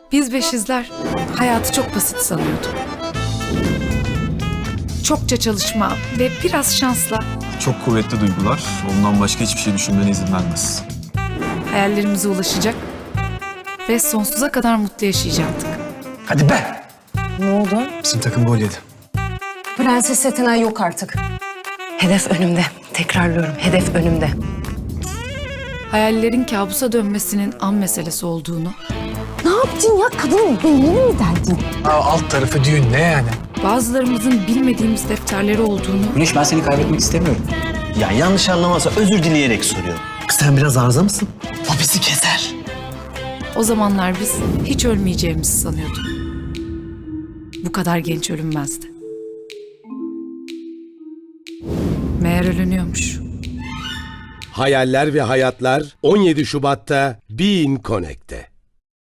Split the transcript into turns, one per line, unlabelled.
Biz beşizler hayatı çok basit sanıyorduk. Çokça çalışma ve biraz şansla
Çok kuvvetli duygular. Ondan başka hiçbir şey düşünmene izin vermez.
hayallerimize ulaşacak ve sonsuza kadar mutlu yaşayacaktık.
Hadi be!
Ne oldu?
Bizim takım gol yedi.
Prenses Athena yok artık. Hedef önümde. Tekrarlıyorum, hedef önümde.
Hayallerin kabusa dönmesinin an meselesi olduğunu,
Ne yaptın ya? Kadının beynini mi derdin?
Alt tarafı düğün ne yani?
bazılarımızın bilmediğimiz defterleri olduğunu,
Güneş, ben seni kaybetmek istemiyorum.
Ya yanlış anlamazsa özür dileyerek soruyorum.
Sen biraz arıza mısın?
O bizi keser.
o zamanlar biz hiç ölmeyeceğimizi sanıyorduk. Bu kadar genç ölünmezdi. Meğer ölünüyormuş.
Hayaller ve Hayatlar 17 Şubat'ta Bein Connect'te.